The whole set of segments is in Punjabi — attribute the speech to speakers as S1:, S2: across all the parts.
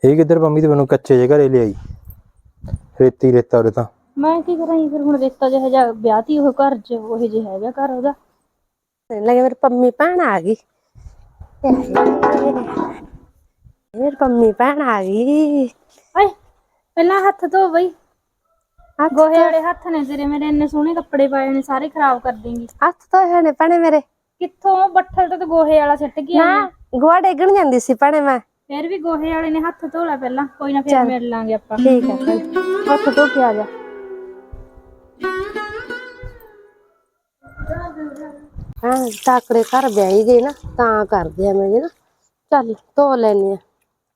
S1: ਇਹ ਕਿੱਧਰ ਪੰਮੀ ਤੇ ਮੈਨੂੰ ਕੱਚੇ ਜਿਹੇ ਘਰੇ ਲਿਆਈ। ਰੇਤੀ ਰੇਤਾ ਉਰੇ ਤਾਂ
S2: ਮੈਂ ਕੀ ਕਰਾਂ ਫਿਰ ਹੁਣ ਰੇਤਾ ਜਿਹਾ ਜਿਹਾ ਵਿਆਹਤੀ ਉਹ ਘਰ 'ਚ ਉਹ ਜਿਹਾ ਹੈਗਾ ਘਰ ਉਹਦਾ।
S3: ਲੱਗੇ ਮੇਰੀ ਪੰਮੀ ਭੈਣ ਆ ਗਈ। ਮੇਰੀ ਪੰਮੀ ਭੈਣ ਆ ਗਈ।
S2: ਓਏ ਪਹਿਲਾਂ ਹੱਥ ਧੋ ਬਈ। ਗੋਹੇ ਵਾਲੇ ਹੱਥ ਨੇ ਤੇਰੇ, ਮੇਰੇ ਇੰਨੇ ਸੋਹਣੇ ਕੱਪੜੇ ਪਾਏ ਨੇ ਸਾਰੇ ਖਰਾਬ ਕਰ ਦੇਂਗੀ।
S3: ਹੱਥ ਧੋਏ ਨੇ ਭੈਣੇ ਮੇਰੇ।
S2: ਕਿੱਥੋਂ ਬੱਠਲ ਤੇ ਗੋਹੇ ਵਾਲਾ ਸਿੱਟ ਕੇ ਆਈ
S3: ਨਾ ਗੋਹਾ ਡੇਗਣ ਜਾਂਦੀ ਸੀ ਭੈਣੇ ਮੈਂ।
S2: ਫਿਰ ਵੀ ਗੋਹੇ ਵਾਲੇ ਨੇ ਹੱਥ ਧੋ ਲੈ ਪਹਿਲਾਂ, ਕੋਈ ਨਾ ਫਿਰ ਮਿਲ ਲਾਂਗੇ ਆਪਾਂ।
S3: ਠੀਕ ਹੈ ਭੈਣੇ, ਹੱਥ ਧੋ ਕੇ ਆ ਜਾ। ਹਾਂ ਤਾਕੜੇ ਘਰ ਵਿਆਹੀ ਗਈ ਨਾ ਤਾਂ ਕਰਦੇ ਆ ਮੈਂ ਨਾ। ਚੱਲ ਧੋ ਲੈਣੀ ਆ।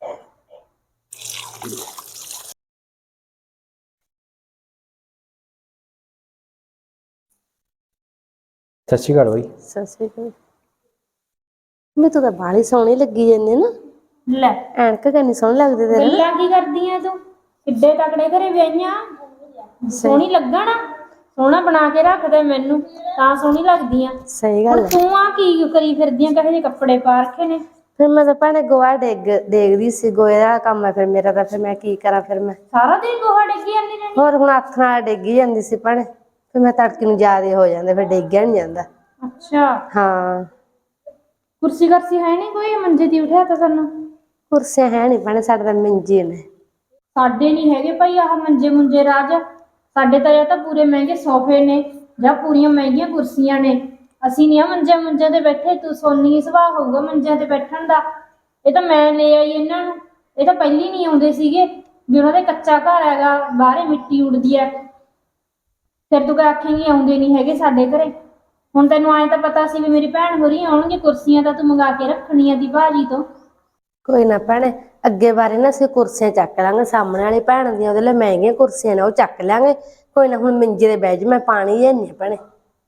S1: ਸਤਿ ਸ਼੍ਰੀ ਅਕਾਲ ਬਾਈ।
S3: ਸਤਿ ਸ਼੍ਰੀ ਅਕਾਲ। ਮੈਂ ਤਾਂ ਬਾਹਲੀ ਸੋਹਣੀ ਲੱਗੀ ਜਾਂਦੀ ਨਾ।
S2: ਲੈ
S3: ਐਨਕ ਕਿੰਨੀ ਸੋਹਣੀ ਲੱਗਦੀ ਤੇਰੇ ਨਾ।
S2: ਗੱਲਾਂ ਕੀ ਕਰਦੀ ਆ ਤੂੰ? ਕਿੱਡੇ ਤਕੜੇ ਘਰੇ ਵਿਆਹੀਆਂ, ਸੋਹਣੀ ਲੱਗਣਾ। ਸੋਹਣਾ ਬਣਾ ਕੇ ਰੱਖਦੇ ਮੈਨੂੰ ਤਾਂ ਸੋਹਣੀ ਲੱਗਦੀ ਆ।
S3: ਸਹੀ ਗੱਲ ਹੈ।
S2: ਤੂੰ ਆ ਕੀ ਕਰੀ ਫਿਰਦੀਆਂ, ਕਹੇ ਜਿਹੇ ਕੱਪੜੇ ਪਾ ਰੱਖੇ ਨੇ।
S3: ਫਿਰ ਮੈਂ ਤਾਂ ਭੈਣੇ ਗੋਹਾ ਡੇਗਦੀ ਸੀ, ਗੋਹੇ ਦਾ ਕੰਮ ਹੈ ਫਿਰ ਮੇਰਾ ਤਾਂ। ਫਿਰ ਮੈਂ ਕੀ ਕਰਾਂ, ਫਿਰ ਮੈਂ
S2: ਸਾਰਾ ਦਿਨ ਗੋਹਾ ਡਿੱਗੀ ਜਾਂਦੀ ਰਹਿੰਦੀ।
S3: ਹੋਰ ਹੁਣ ਹੱਥ ਨਾਲ ਡੇਗੀ ਜਾਂਦੀ ਸੀ ਭੈਣੇ। ਫਿਰ ਮੈਂ ਤੜਕੇ ਨੂੰ ਜ਼ਿਆਦੇ ਹੋ ਜਾਂਦਾ, ਫਿਰ ਡੇਗਿਆ ਨੀ ਜਾਂਦਾ।
S2: ਅੱਛਾ
S3: ਹਾਂ
S2: ਕੁਰਸੀ ਕਰਸੀ ਹੈ ਨਹੀਂ ਕੋਈ, ਮੰਜੇ ਦੀ ਉਠਿਆ ਤਾਂ ਸਾਨੂੰ।
S3: ਕੁਰਸੀਆਂ ਹੈ ਨੀ ਭੈਣੇ, ਸਾਡੇ ਤਾਂ ਮੰਜੇ ਨੇ।
S2: ਸਾਡੇ ਨਹੀਂ ਹੈਗੇ ਭਾਈ ਆਹ ਮੰਜੇ ਮੁੰਜੇ ਰਾਜ। ਸਾਡੇ ਤਾਂ ਜਾਂ ਤਾਂ ਪੂਰੇ ਮਹਿੰਗੇ ਸੋਫੇ ਨੇ ਜਾਂ ਪੂਰੀਆਂ ਮਹਿੰਗੀਆਂ ਕੁਰਸੀਆਂ ਨੇ। ਅਸੀਂ ਨੀ ਆ ਮੰਜਿਆਂ ਤੇ ਬੈਠੇ। ਤੂੰ ਸੋਨੀ ਸੁਭਾਅ ਹੋਊਗਾ ਮੰਜਿਆਂ ਤੇ ਬੈਠਣ ਦਾ। ਇਹ ਤਾਂ ਮੈਂ ਲੈ ਆਈ ਇਹਨਾਂ ਨੂੰ। ਇਹ ਤਾਂ ਪਹਿਲੀ ਨਹੀਂ ਆਉਂਦੇ ਸੀਗੇ ਵੀ ਉਹਨਾਂ ਦੇ ਕੱਚਾ ਘਰ ਹੈਗਾ, ਬਾਹਰੇ ਮਿੱਟੀ ਉੱਡਦੀ ਹੈ। ਫਿਰ ਤੂੰ ਆਖੇਂਗੀ ਆਉਂਦੇ ਨਹੀਂ ਹੈਗੇ ਸਾਡੇ ਘਰੇ। ਹੁਣ ਤੈਨੂੰ ਐਂ ਤਾਂ ਪਤਾ ਸੀ ਵੀ ਮੇਰੀ ਭੈਣ ਹੋਰੀ ਆਉਣਗੇ, ਕੁਰਸੀਆਂ ਤਾਂ ਤੂੰ ਮੰਗਾ ਕੇ ਰੱਖਣੀਆਂ ਦੀ ਭਾਜੀ ਤੋਂ।
S3: ਕੋਈ ਨਾ ਭੈਣੇ, ਅੱਗੇ ਬਾਰੇ ਨਾ ਅਸੀਂ ਕੁਰਸੀਆਂ ਚੱਕ ਲਾਂਗੇ। ਸਾਹਮਣੇ ਵਾਲੀ ਭੈਣ ਦੀਆਂ ਉਹਦੇ ਲਈ ਮਹਿੰਗੀਆਂ ਕੁਰਸੀਆਂ ਨੇ, ਉਹ ਚੱਕ ਲਾਂਗੇ। ਕੋਈ ਨਾ ਹੁਣ ਮੰਜੇ ਦੇ ਬਹਿ ਜਾ, ਮੈਂ ਪਾਣੀ ਲਿਆਨੀ ਆ ਭੈਣੇ।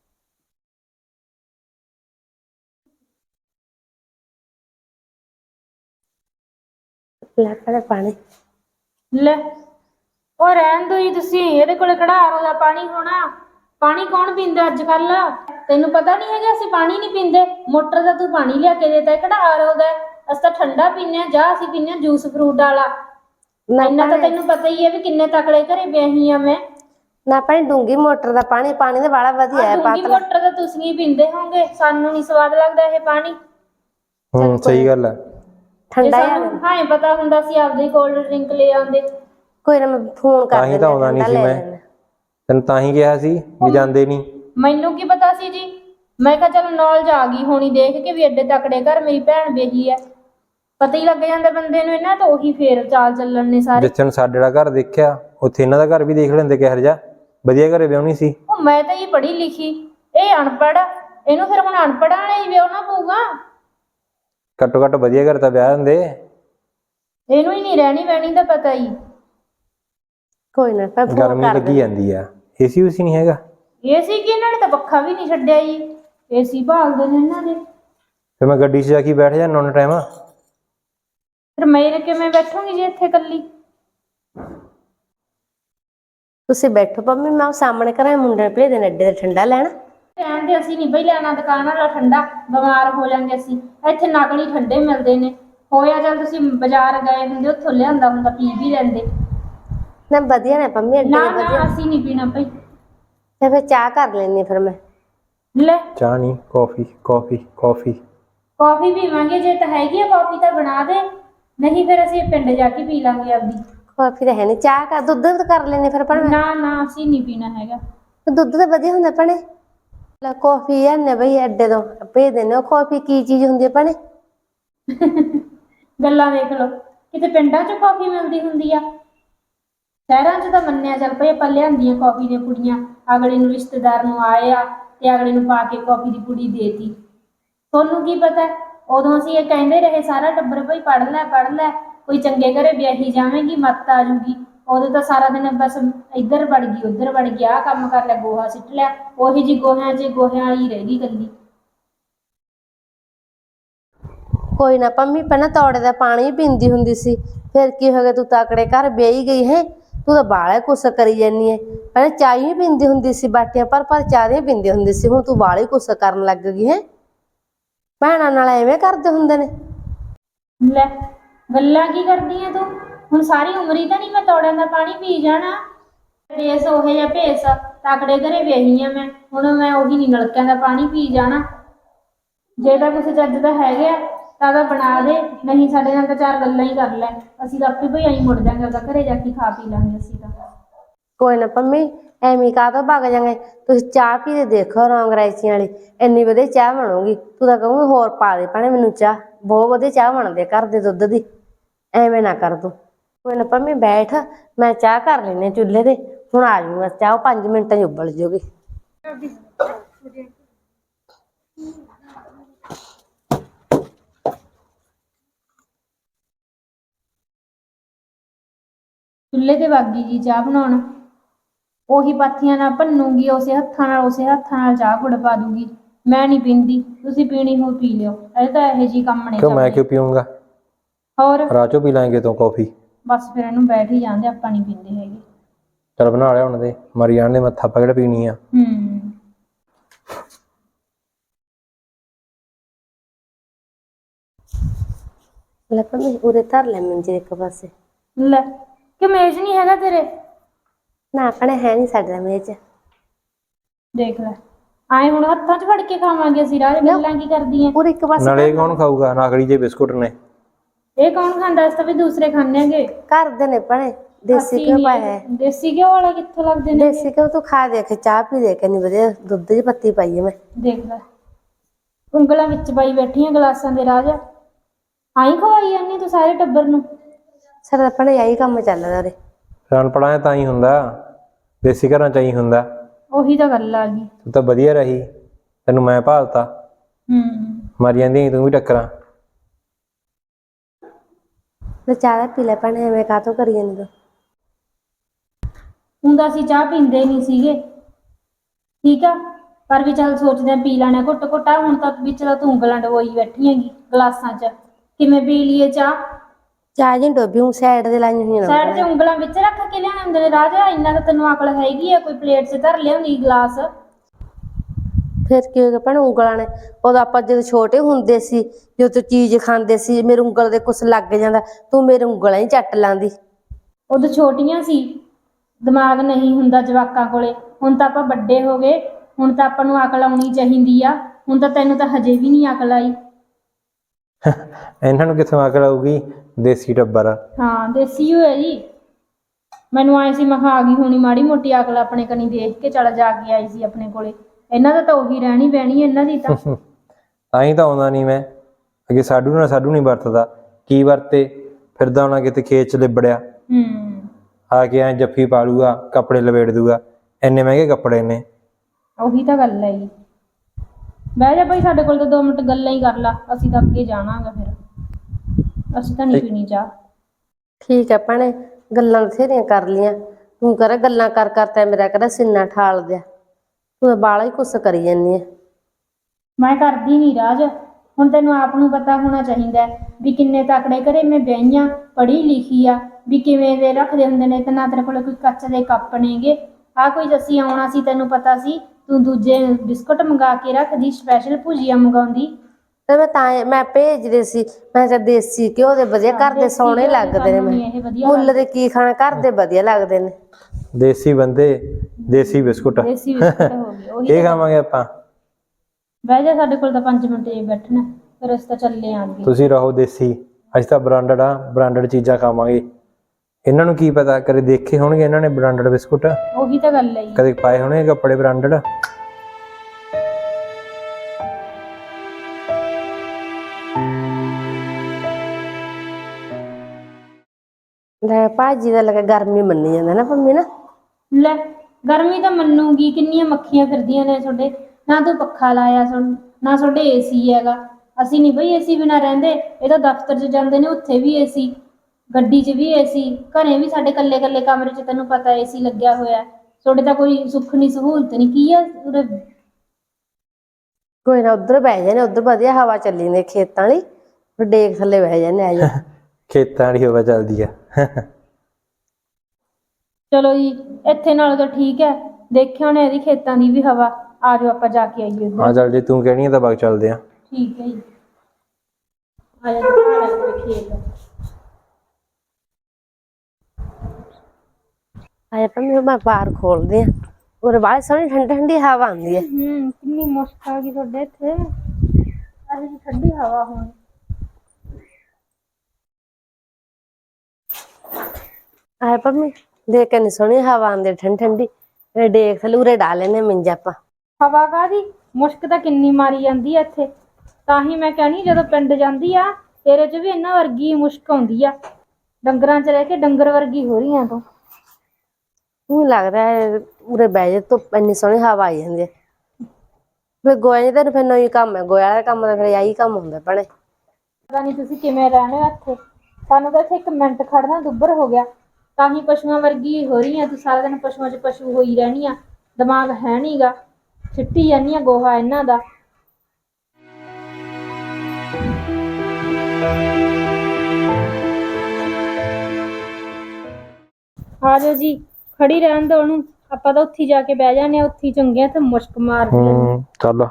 S3: ਲੈ ਭੈਣੇ ਪਾਣੀ।
S2: ਲੈ ਉਹ ਰਹਿਣ ਦੋ ਜੀ ਤੁਸੀਂ, ਇਹਦੇ ਕੋਲੇ ਕਿਹੜਾ ਆਰੋ ਦਾ ਪਾਣੀ ਹੋਣਾ। ਪਾਣੀ ਕੌਣ ਪੀਂਦਾ ਅੱਜ ਕੱਲ? ਤੈਨੂੰ ਪਤਾ ਨਹੀਂ ਹੈਗਾ ਅਸੀਂ ਪਾਣੀ ਨਹੀਂ ਪੀਂਦੇ। ਮੋਟਰ ਦਾ ਤੂੰ ਪਾਣੀ ਲਿਆ ਕੇ ਦੇਤਾ, ਕਿਹੜਾ ਆਰੋ ਦਾ। ਅਸੀਂ ਤਾਂ ਠੰਡਾ ਪੀਂਦੇ ਹਾਂ, ਜਾਂ ਅਸੀਂ ਪੀਂਦੇ ਹਾਂ ਜੂਸ ਫਰੂਟ ਵਾਲਾ। ਇੰਨਾ ਤਾਂ ਤੈਨੂੰ ਪਤਾ ਹੀ ਹੈ ਵੀ ਕਿੰਨੇ ਤਕੜੇ ਘਰੇ ਵਿਆਹੀ ਆ ਮੈਂ।
S3: ਨਾ ਭੈਣੇ ਡੂੰਗੀ ਮੋਟਰ ਦਾ ਪਾਣੀ, ਪਾਣੀ ਤਾਂ ਬੜਾ ਵਧੀਆ ਹੈ
S2: ਡੂੰਗੀ
S3: ਪਾਤਲਾ।
S2: ਮੋਟਰ ਦਾ ਤੁਸੀਂ ਹੀ ਪੀਂਦੇ ਹੋਗੇ, ਸਾਨੂੰ ਨੀ ਸਵਾਦ ਲੱਗਦਾ ਇਹ ਪਾਣੀ।
S1: ਸਹੀ ਗੱਲ ਹੈ।
S2: ਜੇ
S3: ਠੰਡਾ
S2: ਸਾਨੂੰ ਹਾਂ ਪਤਾ ਹੁੰਦਾ ਸੀ ਆਪਦੇ ਕੋਲਡ ਡਰਿੰਕ ਲੈ ਆਉਂਦੇ।
S3: ਕੋਈ ਨਾ ਮੈਂ ਫੋਨ ਕਰ
S1: ਤਾਂ ਹੀ
S3: ਦਿੰਦੀ
S1: ਤਾਂ
S3: ਹਾਂ,
S1: ਆਉਂਦਾ ਨਹੀਂ
S3: ਠੰਡਾ
S1: ਸੀ
S3: ਲੈ
S1: ਮੈਂ।
S3: ਲੈਣਾ।
S1: ਤੈਨੂੰ ਤਾਂ ਹੀ ਕਿਹਾ ਸੀ ਵੀ ਜਾਂਦੇ ਨਹੀਂ।
S2: ਮੈਨੂੰ ਕੀ ਪਤਾ ਸੀ ਜੀ। ਮੈਂ ਕਿਹਾ ਚਲ ਨੌਲੇਜ ਆ ਗਈ ਹੋਣੀ ਦੇਖ ਕੇ ਵੀ ਐਡੇ ਤਕੜੇ ਘਰ ਮੇਰੀ ਭੈਣ ਵਿਆਹੀ ਹੈ। ਪਤਾ ਹੀ ਲੱਗ ਜਾਂਦਾ ਬੰਦੇ ਨੂੰ ਇਹਨਾਂ ਤੋਂ। ਉਹੀ ਫੇਰ ਚਾਲ ਚੱਲਣ ਨੇ ਸਾਰੇ।
S1: ਜਿੱਥੇ ਸਾਡੇ ਵਾਲਾ ਘਰ ਦੇਖਿਆ, ਉੱਥੇ ਇਹਨਾਂ ਦਾ ਘਰ ਵੀ ਦੇਖ ਲੈਂਦੇ ਕਿਹੋ ਜਿਹਾ ਵਧੀਆ ਘਰੇ ਵਿਆਹੁਣੀ ਸੀ।
S2: ਉਹ ਮੈਂ ਤਾਂ ਹੀ ਪੜ੍ਹੀ ਲਿਖੀ, ਇਹ ਅਨਪੜ੍ਹ। ਇਹਨੂੰ ਫਿਰ ਹੁਣ ਅਨਪੜ੍ਹਾਂ ਵਾਲੇ ਹੀ ਵਿਆਹੁਣਾ ਪਊਗਾ।
S1: ਘੱਟੋ ਘੱਟ ਵਧੀਆ ਘਰ ਤਾਂ ਵਿਆਹ ਦਿੰਦੇ।
S2: ਇਹਨੂੰ ਹੀ ਨਹੀਂ ਰਹਿਣੀ ਬਹਿਣੀ ਦਾ ਪਤਾ ਹੀ।
S3: ਕੋਈ ਨਾ ਫੋਨ
S1: ਗਰਮੀ
S3: ਕਰ
S1: ਲੱਗੀ ਜਾਂਦੀ ਆ, ਏਸੀ ਉਸੀ ਨਹੀਂ ਹੈਗਾ।
S2: ਏਸੀ ਕੀ, ਇਹਨਾਂ ਨੇ ਤਾਂ ਪੱਖਾ ਵੀ ਨਹੀਂ ਛੱਡਿਆ ਜੀ। ਏਸੀ ਭਾਲਦੇ ਨੇ ਇਹਨਾਂ ਦੇ।
S1: ਫਿਰ ਮੈਂ ਗੱਡੀ 'ਚ ਜਾ ਕੇ ਬੈਠ ਜਾਂਦਾ ਉਹਨਾਂ ਟਾਈਮ।
S2: ਫਿਰ ਮੈਂ ਕਿਵੇਂ ਬੈਠੂੰਗੀ ਜੀ ਇੱਥੇ ਇਕੱਲੀ?
S3: ਤੁਸੀਂ ਬੈਠੋ ਪੰਮੀ, ਮੈਂ ਉਹ ਸਾਹਮਣੇ ਘਰਾਂ ਮੁੰਡੇ ਨੂੰ ਭੇਜ ਦੇਣਾ ਅੱਡੇ ਦਾ ਠੰਡਾ ਲੈਣਾ।
S2: ਕਹਿੰਦੇ ਅਸੀਂ ਨਹੀਂ ਬਈ ਲੈਣਾ ਦੁਕਾਨ ਵਾਲਾ ਠੰਡਾ, ਬਿਮਾਰ ਹੋ ਜਾਂਗੇ ਅਸੀਂ। ਇੱਥੇ ਨਕਲੀ ਠੰਡੇ ਮਿਲਦੇ ਨੇ। ਹੋਇਆ ਚੱਲ ਤੁਸੀਂ ਬਾਜ਼ਾਰ ਗਏ ਹੁੰਦੇ, ਉੱਥੋਂ ਲਿਆਂਦਾ ਹੁੰਦਾ ਪੀ ਵੀ ਲੈਂਦੇ।
S3: ਨਾ ਵਧੀਆ ਨੇ ਪੰਮੀ, ਅੱਡੇ
S2: ਨਾ
S3: ਦੇ
S2: ਨਾ
S3: ਵਧੀਆ।
S2: ਅਸੀਂ ਨਹੀਂ ਪੀਣਾ ਭਾਈ।
S3: ਤੇ ਫਿਰ ਚਾਹ ਕਰ ਲੈਣੀ ਫਿਰ ਮੈਂ।
S2: ਲੈ
S1: ਚਾਹ ਨਹੀਂ, ਕੌਫੀ ਕੌਫੀ ਕੌਫੀ।
S2: ਕੌਫੀ ਪੀਵਾਂਗੇ ਜੇ ਤਾਂ ਹੈਗੀ ਆ ਕੌਫੀ ਤਾਂ ਬਣਾ ਦੇ, ਨਹੀਂ ਫਿਰ ਅਸੀਂ ਪਿੰਡ ਜਾ ਕੇ ਪੀ ਲਾਂਗੇ ਆਪਦੀ।
S3: ਕੌਫੀ ਤਾਂ ਹੈ ਨਹੀਂ, ਚਾਹ ਕਰ ਦੁੱਧ ਕਰ ਲੈਣੀ ਫਿਰ ਭੈਣੇ।
S2: ਨਾ ਨਾ ਅਸੀਂ ਨਹੀਂ ਪੀਣਾ ਹੈਗਾ।
S3: ਦੁੱਧ ਤਾਂ ਵਧੀਆ ਹੁੰਦਾ ਭੈਣੇ। ਲੈ ਕੌਫੀ ਆਨੇ ਬਈ ਅੱਡੇ ਤੋਂ ਭੇਜ ਦਿੰਦੇ। ਉਹ ਕੌਫੀ ਕੀ ਚੀਜ਼ ਹੁੰਦੀ ਹੈ ਭੈਣੇ?
S2: ਗੱਲਾਂ ਦੇਖ ਲਓ, ਕਿਤੇ ਪਿੰਡਾਂ 'ਚ ਕੌਫੀ ਮਿਲਦੀ ਹੁੰਦੀ ਆ। ਸ਼ਹਿਰਾਂ 'ਚ ਤਾਂ ਮੰਨਿਆ ਚੱਲ ਪਈ ਆਪਾਂ ਲਿਆਂਦੀਆਂ ਕੌਫੀ ਦੀਆਂ ਪੁੜੀਆਂ, ਅਗਲੇ ਨੂੰ ਰਿਸ਼ਤੇਦਾਰ ਨੂੰ ਆਏ ਆ ਤੇ ਅਗਲੇ ਨੂੰ ਪਾ ਕੇ ਕੌਫੀ ਦੀ ਪੁੜੀ ਦੇਤੀ। ਤੁਹਾਨੂੰ ਕੀ ਪਤਾ, ਉਦੋਂ ਅਸੀਂ ਇਹ ਕਹਿੰਦੇ ਰਹੇ ਸਾਰਾ ਟੱਬਰ ਭਾਈ ਪੜ੍ਹ ਲੈ ਪੜ੍ਹ ਲੈ, ਕੋਈ ਚੰਗੇ ਘਰੇ ਵਿਆਹੀ ਜਾਵੇਂਗੀ ਮੱਤ ਆ ਜੂਗੀ। ਉਦੋਂ ਤਾਂ ਸਾਰਾ ਦਿਨ ਬਸ ਇੱਧਰ ਵੜ ਗਈ ਉੱਧਰ ਵੜ ਗਈ, ਆਹ ਕੰਮ ਕਰ ਲਿਆ ਗੋਹਾ ਸਿੱਟ ਲਿਆ। ਉਹੀ ਜੀ ਗੋਹਿਆਂ 'ਚ ਗੋਹਿਆਂ ਵਾਲੀ ਰਹਿ ਗਈ ਇਕੱਲੀ।
S3: ਕੋਈ ਨਾ ਪੰਮੀ, ਪਹਿਲਾਂ ਤੌੜੇ ਦਾ ਪਾਣੀ ਹੀ ਪੀਂਦੀ ਹੁੰਦੀ ਸੀ। ਫਿਰ ਕੀ ਹੋ ਗਿਆ, ਤੂੰ ਤਾਕੜੇ ਘਰ ਵਿਆਹੀ ਗਈ ਹੈ। ਤੂੰ ਤਾਂ ਬਾਹਲਾ ਕੁਛ ਕਰੀ ਜਾਨੀ ਹੈ। ਪਹਿਲਾਂ ਚਾਹ ਹੀ ਪੀਂਦੀ ਹੁੰਦੀ ਸੀ, ਬਾਟੀਆਂ ਭਰ ਭਰ ਚਾਹ ਦੀਆਂ ਪੀਂਦੀ ਹੁੰਦੀ ਸੀ। ਹੁਣ ਤੂੰ ਬਾਹਲਾ ਕੁਛ ਕਰਨ ਲੱਗ ਗਈ ਹੈ। ਭੈਣਾਂ ਨਾਲ ਐਵੇਂ ਕਰਦੇ ਹੁੰਦੇ ਨੇ?
S2: ਲੈ ਗੱਲਾਂ ਕੀ ਕਰਦੀ ਆ ਤੂੰ? ਹੁਣ ਸਾਰੀ ਉਮਰ ਹੀ ਤਾਂ ਨਹੀਂ ਮੈਂ ਤੋੜਾਂ ਦਾ ਪਾਣੀ ਪੀ ਜਾਣਾ। ਦੇਸ ਉਹੇ ਜਿਹਾ ਭੇਸ ਤਕੜੇ ਘਰੇ ਵਿਆਹੀ ਆ ਮੈਂ, ਹੁਣ ਮੈਂ ਉਹੀ ਨਹੀਂ ਨਲਕਿਆਂ ਦਾ ਪਾਣੀ ਪੀ ਜਾਣਾ। ਜੇ ਤਾਂ ਕੁਛ ਚੱਜ ਦਾ ਹੈਗਾ ਤਾਂ ਬਣਾ ਦੇ, ਨਹੀਂ ਸਾਡੇ ਨਾਲ ਤਾਂ ਚਾਰ ਗੱਲਾਂ ਹੀ ਕਰ ਲੈ। ਅਸੀਂ ਤਾਂ ਆਪੇ ਭਈ ਆਈ ਮੁੜ ਜਾਂਗੇ, ਉਹਦਾ ਘਰੇ ਜਾ ਕੇ ਖਾ ਪੀ ਲਾਂਗੇ ਅਸੀਂ ਤਾਂ।
S3: ਕੋਈ ਨਾ ਪੰਮੀ, ਐਵੇਂ ਕਾਹਤੋਂ ਭੱਗ ਜਾਂਗੇ। ਤੁਸੀਂ ਚਾਹ ਪੀ ਕੇ ਦੇਖੋ ਰੌਂਗ ਰਾਇਚੀਆਂ ਵਾਲੀ, ਇੰਨੀ ਵਧੀਆ ਚਾਹ ਬਣੂਗੀ। ਤੂੰ ਤਾਂ ਕਹੂੰਗੀ ਹੋਰ ਪਾ ਦੇ ਭੈਣੇ ਮੈਨੂੰ ਚਾਹ, ਬਹੁਤ ਵਧੀਆ ਚਾਹ ਬਣਦੀ ਆ ਘਰ ਦੇ ਦੁੱਧ ਦੀ। ਐਵੇਂ ਨਾ ਕਰ ਤੂੰ। ਕੋਈ ਨਾ ਪੰਮੀ ਬੈਠ, ਮੈਂ ਚਾਹ ਕਰ ਲੈਂਦੀ ਹਾਂ ਚੁੱਲ੍ਹੇ ਤੇ, ਹੁਣ ਆ ਜਾਊਂਗਾ ਚਾਹ 5 ਮਿੰਟਾਂ 'ਚ ਉਬਲ ਜਾਊਗੀ।
S2: ਚੁੱਲ੍ਹੇ ਤੇ ਬਾਗੀ ਜੀ ਚਾਹ ਬਣਾਉਣ, ਉਹੀ ਪਾਥੀਆਂ ਨਾਲ ਭੰਨੂਗੀ, ਉਸੇ ਹੱਥਾਂ ਨਾਲ ਚਾਹ ਗੁੜ ਪਾ ਦੂਗੀ। ਮੈਂ ਨਹੀਂ ਪੀਂਦੀ, ਤੁਸੀਂ ਪੀਣੀ ਹੋ ਪੀ ਲਿਓ। ਇਹ ਤਾਂ ਇਹੋ ਜਿਹੀ ਕੰਮ ਨੇ
S1: ਕਿਉਂ ਮੈਂ
S2: ਚੱਲਦੇ।
S1: ਕਿਉਂ ਪੀਊਂਗਾ?
S2: ਹੋਰ
S1: ਰਾਚੋ ਪੀ ਲਾਂਗੇ ਤੂੰ ਕੌਫੀ।
S2: ਬਸ ਫਿਰ ਇਹਨੂੰ ਬੈਠ ਹੀ ਜਾਂਦੇ, ਆਪਾਂ ਨਹੀਂ ਪੀਂਦੇ ਹੈਗੇ।
S1: ਚੱਲ ਬਣਾ ਲਿਆ ਹੁਣ ਦੇ, ਮਰੀ ਜਾਣ ਦੇ, ਮੱਥਾ ਆਪਾਂ ਕਿਹੜਾ ਪੀਣੀ ਆ।
S3: ਲੈ ਪੰਮੀ ਉਰੇ ਧਰ ਲੈ ਮੰਜੇ ਇੱਕ ਪਾਸੇ।
S2: ਲੈ ਕਿ ਮੇਜ਼ ਨਹੀਂ ਹੈਗਾ ਤੇਰੇ?
S3: ਨਾ ਭੈਣੇ ਹੈ ਨਹੀਂ ਸਾਡੇ ਮੇਜ਼।
S2: ਦੇਖ ਲੈ, ਆਏ ਹੁਣ ਹੱਥਾਂ 'ਚ ਫੜ ਕੇ ਖਾਵਾਂਗੇ ਅਸੀਂ ਰਾਜ, ਗੱਲਾਂ ਕੀ ਕਰਦੀਆਂ?
S3: ਉਰੇ ਇੱਕ ਪਾਸੇ
S1: ਨਾਲੇ ਕੌਣ ਖਾਊਗਾ? ਨਾਗਲੀ ਜੇ ਬਿਸਕੁਟ ਨੇ।
S2: ਇਹ ਕੌਣ ਖਾਂਦਾ? ਇਸ ਤਾਂ ਵੀ ਦੂਸਰੇ ਖਾਂਦੇ ਹੈਗੇ।
S3: ਘਰ ਦੇ ਨੇ ਭੈਣੇ, ਦੇਸੀ ਘਿਓ ਪਾਇਆ ਹੈ।
S2: ਦੇਸੀ ਘਿਓ ਵਾਲਾ ਕਿੱਥੋਂ ਲੱਗਦੇ ਨੇ?
S3: ਦੇਸੀ ਘਿਓ ਤੂੰ ਖਾ ਦੇਖ, ਚਾਹ ਪੀ ਦੇਖ, ਇੰਨੀ ਵਧੀਆ ਦੁੱਧ 'ਚ ਪੱਤੀ ਪਾਈ ਹੈ ਮੈਂ।
S2: ਦੇਖ ਲੈ, ਉਂਗਲਾਂ ਵਿੱਚ ਪਾਈ ਬੈਠੀਆਂ ਗਲਾਸਾਂ ਦੇ ਰਾਜ, ਆਈ ਖਵਾਈ ਜਾਂਦੀ ਤੂੰ ਸਾਰੇ ਟੱਬਰ ਨੂੰ।
S3: ਸਾਡਾ ਭੈਣੇ ਇਹੀ ਕੰਮ ਚੱਲਦਾ ਉਰੇ।
S1: ਅਨਪੜ੍ਹਾਂ ਤਾਂ ਹੀ ਹੁੰਦਾ, ਦੇਸੀ ਘਰਾਂ 'ਚ ਹੀ ਹੁੰਦਾ।
S2: ਉਹੀ ਤਾਂ ਗੱਲ ਆ ਗਈ।
S1: ਤੂੰ ਤਾਂ ਵਧੀਆ ਰਹੀ, ਤੈਨੂੰ ਮੈਂ ਭਾਲਤਾ। ਮਰ ਜਾਂਦੀ ਤੂੰ ਵੀ ਟੱਕਰਾਂ।
S3: ਤੇ ਚਾਹ ਪੀ ਲੈ ਭੈਣੇ, ਐਵੇਂ ਕਾਹਤੋਂ ਕਰੀ ਜਾਂਦੀ ਤੂੰ?
S2: ਹੁਣ ਤਾਂ ਅਸੀਂ ਚਾਹ ਪੀਂਦੇ ਨਹੀਂ ਸੀਗੇ, ਠੀਕ ਆ, ਪਰ ਵੀ ਚੱਲ ਸੋਚਦੇ ਆ ਪੀ ਲੈਣਾ ਘੁੱਟ ਘੁੱਟਾ। ਹੁਣ ਤਾਂ ਵਿੱਚ ਤਾਂ ਤੂੰ ਉਂਗਲਾਂ ਡਬੋਈ ਬੈਠੀ ਹੈਗੀ ਗਲਾਸਾਂ 'ਚ, ਕਿਵੇਂ ਪੀ ਲਈਏ ਚਾਹ?
S3: ਚਾਹ ਜੀ ਡੋਬੀ ਹੂੰ ਸਾਈਡ ਤੇ ਲਾਈਆਂ ਹੋਈਆਂ
S2: ਸਾਈਡ ਤੇ ਉਂਗਲਾਂ ਵਿੱਚ ਰੱਖ ਕੇ ਲਿਆਉਂਦੇ ਨੇ ਰਾਜਾ, ਇੰਨਾ ਤਾਂ ਤੈਨੂੰ ਅਕਲ ਹੈਗੀ ਆ, ਕੋਈ ਪਲੇਟ 'ਚ ਧਰ ਲਿਆਉਂਦੀ ਗਲਾਸ।
S3: ਫਿਰ ਕੀ ਹੋ ਗਿਆ ਭੈਣੇ ਉਂਗਲਾਂ ਨੇ? ਉਦੋਂ ਆਪਾਂ ਜਦੋਂ ਛੋਟੇ ਹੁੰਦੇ ਸੀ, ਜਦੋਂ ਤੂੰ ਚੀਜ਼ ਖਾਂਦੇ ਸੀ, ਮੇਰੇ ਉਂਗਲ ਦੇ ਕੁਛ ਲੱਗ ਜਾਂਦਾ, ਤੂੰ ਮੇਰੇ ਉਂਗਲਾਂ ਹੀ ਚੱਟ ਲਾਂਦੀ।
S2: ਉਦੋਂ ਛੋਟੀਆਂ ਸੀ, ਦਿਮਾਗ ਨਹੀਂ ਹੁੰਦਾ ਜਵਾਕਾਂ ਕੋਲੇ। ਹੁਣ ਤਾਂ ਆਪਾਂ ਵੱਡੇ ਹੋ ਗਏ, ਹੁਣ ਤਾਂ ਆਪਾਂ ਨੂੰ ਅਕਲ ਆਉਣੀ ਚਾਹੀਦੀ ਆ। ਹੁਣ ਤਾਂ ਤੈਨੂੰ ਤਾਂ ਹਜੇ ਵੀ ਨਹੀਂ ਅਕਲ ਆਈ।
S1: ਇਹਨਾਂ ਨੂੰ ਕਿੱਥੋਂ ਅਕਲ ਆਊਗੀ? ਦੇਸੀ ਟੱਬਰ।
S2: ਹਾਂ ਦੇਸੀ ਹੋਇਆ ਜੀ। ਮੈਨੂੰ ਆਏ ਸੀ, ਮੈਂ ਕਿਹਾ ਆ ਗਈ ਹੋਣੀ ਮਾੜੀ ਮੋਟੀ ਅਕਲ ਆਪਣੇ ਕਨੀ, ਦੇਖ ਕੇ ਚਲ ਜਾ ਕੇ ਆਈ ਸੀ ਆਪਣੇ ਕੋਲੇ। ਇਹਨਾਂ ਦਾ ਤਾਂ ਉਹੀ ਰਹਿਣੀ ਬਹਿਣੀ ਇਹਨਾਂ ਦੀ ਤਾਂ।
S1: ਤਾਂ ਹੀ ਤਾਂ ਆਉਂਦਾ ਨਹੀਂ ਮੈਂ ਅੱਗੇ। ਸਾਡੂ ਨਹੀਂ ਵਰਤਦਾ, ਕੀ ਵਰਤੇ ਫਿਰਦਾ ਹੋਣਾ ਕਿਤੇ ਖੇਤ 'ਚ ਲਿਬੜਿਆ। ਆ ਕੇ ਐਂ ਜੱਫੀ ਪਾ ਲੂਗਾ, ਕੱਪੜੇ ਲਵੇੜ ਦੂਗਾ, ਇੰਨੇ ਮਹਿੰਗੇ ਕੱਪੜੇ ਨੇ।
S2: ਉਹੀ ਤਾਂ ਗੱਲ ਹੈ ਜੀ। ਬਹਿ ਜਾ ਭਾਈ, ਸਾਡੇ ਕੋਲ ਤਾਂ 2 ਮਿੰਟ ਗੱਲਾਂ ਹੀ ਕਰ ਲਾ, ਅਸੀਂ ਤਾਂ ਅੱਗੇ ਜਾਣਾਗਾ ਫਿਰ। ਅਸੀਂ ਤਾਂ ਨਹੀਂ ਪੀਣੀ ਚਾਹ।
S3: ਠੀਕ ਹੈ ਭੈਣੇ, ਗੱਲਾਂ ਬਥੇਰੀਆਂ ਕਰ ਲੀਆਂ, ਤੂੰ ਕਰ ਗੱਲਾਂ ਕਰ ਕਰ ਤੈ ਮੇਰਾ ਕਹਿੰਦਾ ਸਿੰਨਾ ਠਾਲ ਦਿਆ। ਤੂੰ ਬਾਲਾ ਹੀ ਕੁਛ ਕਰੀ ਜਾਂਦੀ ਹੈ।
S2: ਮੈਂ ਕਰਦੀ ਨਹੀਂ ਰਾਜ, ਹੁਣ ਤੈਨੂੰ ਆਪ ਨੂੰ ਪਤਾ ਹੋਣਾ ਚਾਹੀਦਾ ਵੀ ਕਿੰਨੇ ਤਕੜੇ ਘਰੇ ਮੈਂ ਵਿਆਹੀਆਂ, ਪੜ੍ਹੀ ਲਿਖੀ ਆ, ਵੀ ਕਿਵੇਂ ਦੇ ਰੱਖਦੇ ਹੁੰਦੇ ਨੇ। ਤੇ ਨਾ ਤੇਰੇ ਕੋਲ ਕੋਈ ਕੱਚ ਦੇ ਕੱਪ ਨੇਗੇ, ਆਹ ਕੋਈ ਅਸੀਂ ਆਉਣਾ ਸੀ ਤੈਨੂੰ ਪਤਾ ਸੀ, ਤੂੰ ਦੂਜੇ ਬਿਸਕੁਟ ਮੰਗਾ ਕੇ ਰੱਖਦੀ, ਸਪੈਸ਼ਲ ਭੁਜੀਆ ਮੰਗਾਉਂਦੀ।
S3: ਤੇ ਮੈਂ ਭੇਜਦੇ ਸੀ, ਮੈਂ ਕਿਹਾ ਦੇਸੀ ਘਿਓ ਦੇ ਵਧੀਆ, ਘਰ ਦੇ ਸੋਹਣੇ ਲੱਗਦੇ ਨੇ। ਮੈਂ ਮੁੱਲ ਦੇ ਕੀ ਖਾਣਾ, ਘਰ ਦੇ ਵਧੀਆ ਲੱਗਦੇ ਨੇ।
S1: ਦੇਸੀ ਬੰਦੇ, ਦੇਸੀ ਬਿਸਕੁਟ,
S2: ਦੇਸੀ ਬਿਸਕੁਟ ਹੋ ਗਏ ਉਹੀ।
S1: ਇਹ ਖਾਵਾਂਗੇ ਆਪਾਂ।
S2: ਬਹਿ ਜਾ, ਸਾਡੇ ਕੋਲ ਤਾਂ 5 ਮਿੰਟ ਜੇ ਬੈਠਣਾ, ਫਿਰ ਅਸੀਂ ਤਾਂ ਚੱਲੇ ਆਂਗੇ।
S1: ਤੁਸੀਂ ਰਹੋ ਦੇਸੀ, ਅਸੀਂ ਤਾਂ ਬ੍ਰਾਂਡਡ ਆ, ਬ੍ਰਾਂਡਡ ਚੀਜ਼ਾਂ ਖਾਵਾਂਗੇ। ਇਹਨਾਂ ਨੂੰ ਕੀ ਪਤਾ, ਕਦੇ ਦੇਖੇ ਹੋਣਗੇ ਇਹਨਾਂ ਨੇ ਬ੍ਰਾਂਡਡ ਬਿਸਕੁਟ?
S2: ਉਹੀ ਤਾਂ ਗੱਲ ਹੈ ਜੀ।
S1: ਕਦੇ ਪਾਏ ਹੋਣਗੇ ਕੱਪੜੇ ਬ੍ਰਾਂਡਡ?
S3: ਲੈ ਭਾਜੀ ਦਾ ਲੱਗਾ ਗਰਮੀ ਮੰਨੀ ਜਾਂਦਾ ਨਾ ਪੰਮੀ ਨਾ।
S2: ਲੈ ਗਰਮੀ ਤਾਂ ਮੰਨੂਗੀ, ਕਿੰਨੀਆਂ ਮੱਖੀਆਂ ਫਿਰਦੀਆਂ ਨੇ ਤੁਹਾਡੇ। ਨਾ ਤੂੰ ਪੱਖਾ ਲਾਇਆ, ਨਾ ਤੁਹਾਡੇ ਏਸੀ ਹੈਗਾ। ਅਸੀਂ ਨਹੀਂ ਬਈ ਏਸੀ ਬਿਨਾਂ ਰਹਿੰਦੇ। ਇਹ ਤਾਂ ਦਫ਼ਤਰ 'ਚ ਜਾਂਦੇ ਨੇ, ਉੱਥੇ ਵੀ ਏਸੀ, ਗੱਡੀ 'ਚ ਵੀ ਏਸੀ, ਘਰੇ ਵੀ ਸਾਡੇ ਕੱਲੇ ਕੱਲੇ ਕਮਰੇ 'ਚ ਤੈਨੂੰ ਪਤਾ ਏਸੀ ਲੱਗਿਆ ਹੋਇਆ। ਤੁਹਾਡੇ ਤਾਂ ਕੋਈ ਸੁੱਖ ਨਹੀਂ ਸਹੂਲਤ ਨਹੀਂ, ਕੀ ਆ ਉਰੇ?
S3: ਕੋਈ ਨਾ ਉੱਧਰ ਬਹਿ ਜਾਂਦੇ, ਉੱਧਰ ਵਧੀਆ ਹਵਾ ਚੱਲੀ ਨੇ ਖੇਤਾਂ ਵਾਲੀ, ਡੇਕ ਥੱਲੇ ਬਹਿ ਜਾਂਦੇ ਆ ਜਾ।
S1: ਖੇਤਾਂ ਵਾਲੀ ਹਵਾ ਚੱਲਦੀ ਆ।
S2: ਚਲੋ ਜੀ, ਇੱਥੇ ਨਾਲੋਂ ਤਾਂ ਠੀਕ ਹੈ, ਦੇਖਿਆ ਉਹਨੇ ਇਹਦੀ ਖੇਤਾਂ ਦੀ ਵੀ ਹਵਾ। ਆ ਜਾਓ ਆਪਾਂ ਜਾ ਕੇ ਆਈਏ ਉੱਧਰ।
S1: ਹਾਂ ਚੱਲ, ਜੇ ਤੂੰ ਕਹਿਣੀ ਆ ਤਾਂ ਬਾਗ ਚੱਲਦੇ ਆ।
S2: ਠੀਕ ਹੈ ਜੀ, ਆ ਜਾ ਖੇਤ।
S3: ਆਏ ਪੰਮੀ ਮੈਂ ਬਾਹਰ ਖੋਲਦੇ ਆ ਉਰੇ ਬਾਹਰ ਸੋਹਣੀ ਠੰਡੀ ਠੰਡੀ ਹਵਾ ਆਉਂਦੀ ਹੈ।
S2: ਕਿੰਨੀ ਮੁਸ਼ਕ ਆ ਗਈ ਤੁਹਾਡੇ ਇੱਥੇ ਆਹ ਜੀ ਠੰਡੀ ਹਵਾ ਹੁਣ।
S3: ਆਏ ਪੰਮੀ ਦੇਖ ਕੇ ਨੀ ਸੋਹਣੀ ਹਵਾ ਆਉਂਦੀ ਠੰਡੀ ਠੰਡੀ ਦੇਖ ਥਲੇ ਉਰੇ ਡਾਲ ਲੈਨੇ ਮੰਜਾ ਆਪਾਂ।
S2: ਹਵਾ ਕਾਹਦੀ ਮੁਸ਼ਕ ਤਾਂ ਕਿੰਨੀ ਮਾਰੀ ਜਾਂਦੀ ਆ ਇੱਥੇ। ਤਾਂ ਹੀ ਮੈਂ ਕਹਿਣੀ ਜਦੋਂ ਪਿੰਡ ਜਾਂਦੀ ਆ ਤੇਰੇ 'ਚ ਵੀ ਇਹਨਾਂ ਵਰਗੀ ਮੁਸ਼ਕ ਆਉਂਦੀ ਆ। ਡੰਗਰਾਂ 'ਚ ਰਹਿ ਕੇ ਡੰਗਰ ਵਰਗੀ ਹੋ ਰਹੀ ਆ ਤੂੰ।
S3: ਮੈਨੂੰ ਲੱਗਦਾ ਹੈ ਉਰੇ ਬਹਿ ਜਾ ਧੁੱਪ ਇੰਨੀ ਸੋਹਣੀ ਹਵਾ ਆਈ ਜਾਂਦੀ ਹੈ। ਫਿਰ ਗੋਏ ਤੇ ਫਿਰ ਨਵੀਂ ਕੰਮ ਹੈ ਗੋਇਆ ਦਾ ਕੰਮ ਤਾਂ ਫਿਰ ਇਹੀ ਕੰਮ ਹੁੰਦਾ ਭੈਣੇ।
S2: ਪਤਾ ਨਹੀਂ ਤੁਸੀਂ ਕਿਵੇਂ ਰਹਿਣੇ ਹੋ ਇੱਥੇ। ਸਾਨੂੰ ਤਾਂ ਇੱਥੇ 1 ਮਿੰਟ ਖੜਨਾ ਦੁੱਬਰ ਹੋ ਗਿਆ। ਤਾਂ ਹੀ ਪਸ਼ੂਆਂ ਵਰਗੀ ਹੋ ਰਹੀ ਆ ਤੂੰ। ਸਾਰਾ ਦਿਨ ਪਸ਼ੂਆਂ 'ਚ ਪਸ਼ੂ ਹੋਈ ਰਹਿਣੀ ਆ। ਦਿਮਾਗ ਹੈ ਨੀ ਗਾ। ਸਿੱਟੀ ਜਾਂਦੀ ਆ ਗੋਹਾ ਇਹਨਾਂ ਦਾ। ਆ ਜਾਓ ਜੀ ਖੜੀ ਰਹਿਣ ਦੋ ਉਹਨੂੰ। ਆਪਾਂ ਤਾਂ ਉੱਥੇ ਜਾ ਕੇ ਬਹਿ ਜਾਂਦੇ ਆ। ਉੱਥੇ ਚੰਗੇ ਆ ਤੇ ਮੁਸ਼ਕ ਮਾਰਦੀ ਆ।
S1: ਚੱਲ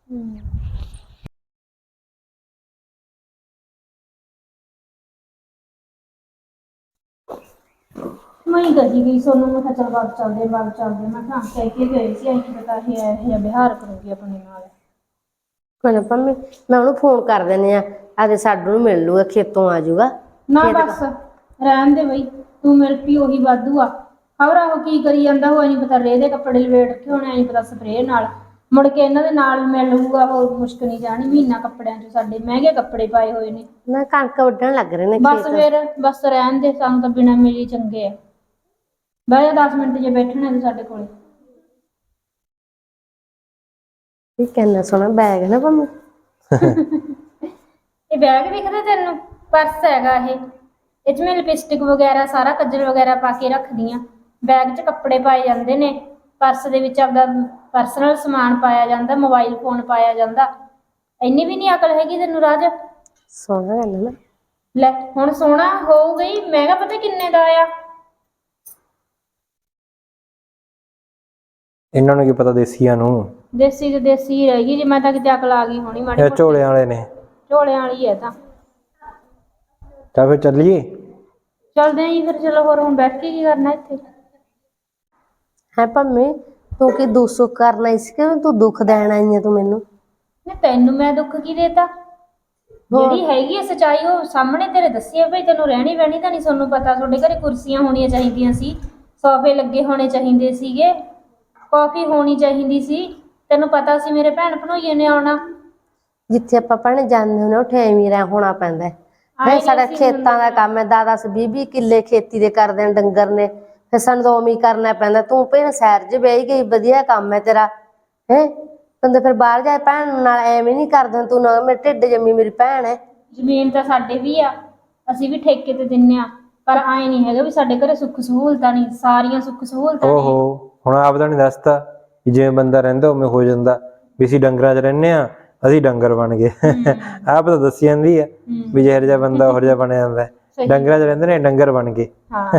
S2: ਮੈਂ ਹੀ ਕਹੀ ਗਈ ਸੋਨੂੰ ਮੈਂ ਕਿਹਾ ਚੱਲ ਬਾਗ ਚੱਲਦੇ ਮੈਂ ਕਿਹਾ ਕਹਿ ਕੇ ਗਏ ਸੀ ਅਸੀਂ ਪਤਾ ਇਹ ਜਿਹਾ ਵਿਹਾਰ ਕਰੂਗੀ ਆਪਣੇ ਨਾਲ।
S3: ਕੋਈ ਨਾ ਪੰਮੀ ਮੈਂ ਉਹਨੂੰ ਫੋਨ ਕਰ ਦਿੰਦੀ ਆ ਆਦੇ ਸਾਡੂ ਨੂੰ ਮਿਲ ਲੂਗਾ ਖੇਤੋਂ ਆ ਜਾਊਗਾ।
S2: ਨਾ ਬਸ ਰਹਿਣ ਦੇ ਬਈ ਤੂੰ ਮਿਲ ਪਈ ਉਹੀ ਵਾਧੂ ਆ। ਖਬਰ ਉਹ ਕੀ ਕਰੀ ਜਾਂਦਾ ਉਹ ਨਹੀਂ ਪਤਾ ਰੇਹ ਦੇ ਕੱਪੜੇ ਲਵੇਟ ਰੱਖੇ ਹੋਣੇ ਨਹੀਂ ਪਤਾ ਸਪਰੇਅ ਨਾਲ ਮੁੜ ਕੇ ਇਹਨਾਂ ਦੇ ਨਾਲ ਮਿਲ ਲੂਗਾ। ਹੋਰ ਮੁਸ਼ਕ ਨਹੀਂ ਜਾਣੀ ਮਹੀਨਾ ਕੱਪੜਿਆਂ 'ਚ ਸਾਡੇ ਮਹਿੰਗੇ ਕੱਪੜੇ ਪਾਏ ਹੋਏ ਨੇ।
S3: ਨਾ ਕਣਕ ਵੱਢਣ ਲੱਗ ਰਹੇ ਨੇ
S2: ਬਸ ਫਿਰ ਬਸ ਰਹਿਣ ਦੇ ਸਾਨੂੰ ਤਾਂ ਬਿਨਾਂ ਮਿਲੀ ਚੰਗੇ ਆ। ਬਹਿ ਜਾ 10 ਮਿੰਟ ਜੇ ਬੈਠਣਾ ਤੂੰ ਸਾਡੇ ਕੋਲੇ।
S3: ਇਹ ਕਿੰਨਾ ਸੋਹਣਾ ਬੈਗ ਹੈ ਨਾ ਪੰਮੀ।
S2: ਇਹ ਬੈਗ ਦਿਖਦਾ ਤੈਨੂੰ? ਪਰਸ ਹੈਗਾ ਇਹ 'ਚ ਮੈਂ ਲਿਪਸਟਿਕ ਵਗੈਰਾ ਸਾਰਾ ਕੱਜਲ ਵਗੈਰਾ ਪਾ ਕੇ ਰੱਖਦੀ ਆ। ਬੈਗ 'ਚ ਕੱਪੜੇ ਪਾਏ ਜਾਂਦੇ ਨੇ। ਪਰਸ ਦੇ ਵਿੱਚ ਆਪਦਾ ਪਰਸਨਲ ਸਮਾਨ ਪਾਇਆ ਜਾਂਦਾ। ਮੋਬਾਈਲ ਫੋਨ ਪਾਇਆ ਜਾਂਦਾ। ਇੰਨੀ ਵੀ ਨਹੀਂ ਅਕਲ ਹੈਗੀ ਤੈਨੂੰ ਰਾਜ।
S3: ਸੋਹਣਾ ਹੈ ਨਾ।
S2: ਲੈ ਹੁਣ ਸੋਹਣਾ ਹੋ ਗਈ ਮਹਿੰਗਾ ਪਤਾ ਕਿੰਨੇ ਦਾ ਆ।
S1: ਇਹਨਾਂ ਨੂੰ ਕੀ ਪਤਾ ਦੇਸੀਆਂ ਨੂੰ।
S2: ਦੇਸੀ ਤੇ ਦੇਸੀ ਹੀ ਰਹੇਗੀ। ਜੇ ਮੈਂ ਤਾਂ ਕਿਤੇ ਅਕਲ ਆ ਗਈ ਹੋਣੀ ਮਾੜੀ
S1: ਇਹ ਝੋਲਿਆਂ ਵਾਲੇ ਨੇ।
S2: ਝੋਲਿਆਂ ਵਾਲੀ ਹੈ ਤਾਂ।
S1: ਤਾਂ ਫਿਰ ਚੱਲੀਏ।
S2: ਚੱਲਦੇ ਆਂ ਜੀ ਫਿਰ। ਚਲੋ ਹੋਰ ਹੁਣ ਬੈਠ ਕੇ ਕੀ ਕਰਨਾ ਇੱਥੇ।
S3: ਹੈ ਪੰਮੀ ਤੂੰ ਕੀ ਦੁੱਖ ਸੁੱਖ ਕਰਨਾ ਇਸ ਕਿ ਤੂੰ ਦੁੱਖ ਦੇਣ ਆਈ ਹੈ ਤੂੰ ਮੈਨੂੰ।
S2: ਨਹੀਂ ਤੈਨੂੰ ਮੈਂ ਦੁੱਖ ਕੀ ਦੇਤਾ। ਜਿਹੜੀ ਹੈਗੀ ਆ ਸੱਚਾਈ ਉਹ ਸਾਹਮਣੇ ਤੇਰੇ ਦੱਸੀ ਆ। ਭਾਈ ਤੈਨੂੰ ਰਹਿਣੀ ਬਹਿਣੀ ਤਾਂ ਨਹੀਂ ਤੁਹਾਨੂੰ ਪਤਾ। ਤੁਹਾਡੇ ਘਰੇ ਕੁਰਸੀਆਂ ਹੋਣੀਆਂ ਚਾਹੀਦੀਆਂ ਸੀ। ਸੋਫੇ ਲੱਗੇ ਹੋਣੇ ਚਾਹੀਦੇ ਸੀਗੇ। ਕਾਫੀ ਹੋਣੀ ਚਾਹੀਦੀ ਸੀ। ਤੈਨੂੰ ਪਤਾ ਸੀ ਮੇਰੇ ਭੈਣ ਭਣੋਈਏ ਨੇ ਆਉਣਾ।
S3: ਜਿੱਥੇ ਆਪਾਂ ਭੈਣੇ ਜਾਂਦੇ ਹੁੰਦੇ ਉੱਥੇ ਐਵੇਂ ਰਹਿ ਹੋਣਾ ਪੈਂਦਾ ਹੈ। ਸਾਡਾ ਖੇਤਾਂ ਦਾ ਕੰਮ ਹੈ 10-10 20-20 ਕਿੱਲੇ ਖੇਤੀ ਦੇ ਕਰਦੇ ਨੇ ਡੰਗਰ ਨੇ। ਫਿਰ ਸਾਨੂੰ ਤਾਂ ਉਵੇਂ ਹੀ ਕਰਨਾ ਪੈਂਦਾ। ਤੂੰ ਭੈਣ ਸ਼ਹਿਰ 'ਚ ਬਹਿ ਗਈ ਵਧੀਆ ਕੰਮ ਹੈ ਤੇਰਾ ਹੈ। ਤੈਨੂੰ ਫਿਰ ਬਾਹਰ ਜਾ ਭੈਣ ਨਾਲ ਐਵੇਂ ਨਹੀਂ ਕਰਦਾ ਤੂੰ ਨਾ ਮੇਰੇ ਢਿੱਡ ਜੰਮੀ ਮੇਰੀ ਭੈਣ ਹੈ।
S2: ਜ਼ਮੀਨ ਤਾਂ ਸਾਡੇ ਵੀ ਆ। ਅਸੀਂ ਵੀ ਠੇਕੇ ਤੇ ਦਿੰਨੇ ਆ। ਪਰ ਆਏ ਨਹੀਂ ਹੈਗਾ ਵੀ ਸਾਡੇ ਘਰੇ ਸੁੱਖ ਸਹੂਲਤਾਂ ਨਹੀਂ। ਸਾਰੀਆਂ ਸੁੱਖ ਸਹੂਲਤਾਂ ਨੇ।
S1: ਹੁਣ ਆਪ ਤਾਂ ਨਹੀਂ ਦੱਸਦਾ ਵੀ ਜਿਵੇਂ ਬੰਦਾ ਰਹਿੰਦਾ ਉਵੇਂ ਹੋ ਜਾਂਦਾ। ਵੀ ਅਸੀਂ ਡੰਗਰਾਂ 'ਚ ਰਹਿੰਦੇ ਆ ਅਸੀਂ ਡੰਗਰ ਬਣ ਗਏ। ਆਪ ਤਾਂ ਦੱਸੀ ਜਾਂਦੀ ਆ ਵੀ ਜਿਹੋ ਜਿਹਾ ਬੰਦਾ ਉਹੋ ਜਿਹਾ ਬਣਿਆ ਜਾਂਦਾ। ਡੰਗਰਾਂ 'ਚ ਰਹਿੰਦੇ ਨੇ ਡੰਗਰ ਬਣ ਗਏ।